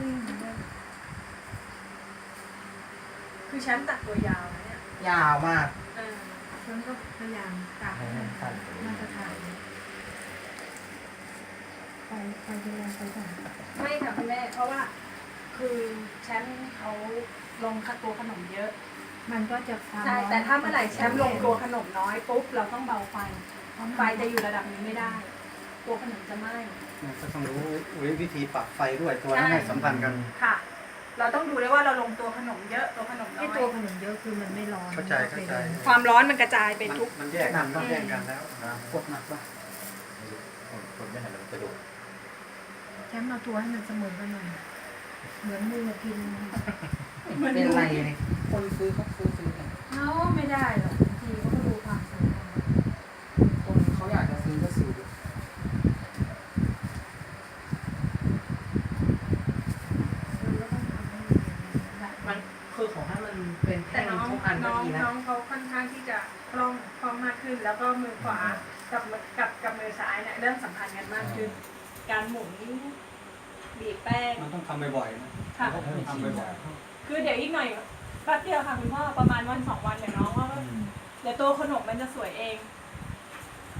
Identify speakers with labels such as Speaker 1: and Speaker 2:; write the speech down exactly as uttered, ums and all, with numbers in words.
Speaker 1: ขึ้นเนี่ย
Speaker 2: คือฉันตัดตัวยาวนะเนี่ย
Speaker 3: ยาวมาก
Speaker 2: เออ
Speaker 1: ฉันก็พยายามกะให้มันมาตรฐานไปไปดูแลไปก่อน
Speaker 2: ไม่ค่ะคุณแม่เพราะว่าคือแชมป์เขาลงคัดตัวขนมเยอะ
Speaker 1: มันก็จะความ
Speaker 2: ใช่แต่ถ้าเมื่อไหร่แชมป์ลงตัวขนมน้อยปุ๊บเราต้องเบาไฟไฟจะอยู่ระดับนี้ไม่ได้ ตัวขนมจะไหม้
Speaker 3: ก็ต้องรู้วิธีปรับไฟด้วยตัวนั้นให้สัมพันธ์กัน
Speaker 2: ค่ะ เราต้องดูด้วยว่าเราลงตัวขนมเยอะตัวขนมน้
Speaker 1: ไอ้
Speaker 2: อย
Speaker 1: ตัวขนมเยอะคือมันไม่ร้อน
Speaker 3: เข้าใจเข้าใจ
Speaker 2: ความร้อนมันกระจายไปทุก
Speaker 3: มันแยกกันต้องแยกกันแล้วกดหนักป่ะ
Speaker 4: คนไม่หันหลังกระโดด
Speaker 1: แชมป์เอาตัวให้มันเสมอกันหน่อยเหมือนมือกิน
Speaker 3: เป็นไรเนี่ยคนซื้อเขาซื้อซื้อกัน
Speaker 2: เขาไม่ได้หรอกบางทีเขาก็ดูความสวยงาม
Speaker 3: คนเขาอยากจะซื้อก็ซื้อ มันคือของให้มันเป็น
Speaker 2: แต่
Speaker 3: แท่ง
Speaker 2: น้อง
Speaker 3: ทุกอันก็
Speaker 2: น้อง
Speaker 3: ดีนะ
Speaker 2: น้องเขาค่อนข้างที่จะคล่องคล่องมากขึ้น แล้วก็มือขวากับมือกับกับมือซ้ายเนี่ยเริ่มสัมพันธ์กันมากขึ้น การหมุนบีบแป้ง
Speaker 3: มันต้องทำบ่อยๆนะ
Speaker 2: ค่ะ
Speaker 3: ต้องทำบ่อย
Speaker 2: คือเดี๋ยวอีกหน่อยแป๊บเดียวค่ะคุณพ่อประมาณวันสองวันเดี๋ยวน้องก็เดี๋ยวตัวขนมมันจะสวยเอง
Speaker 3: ๆ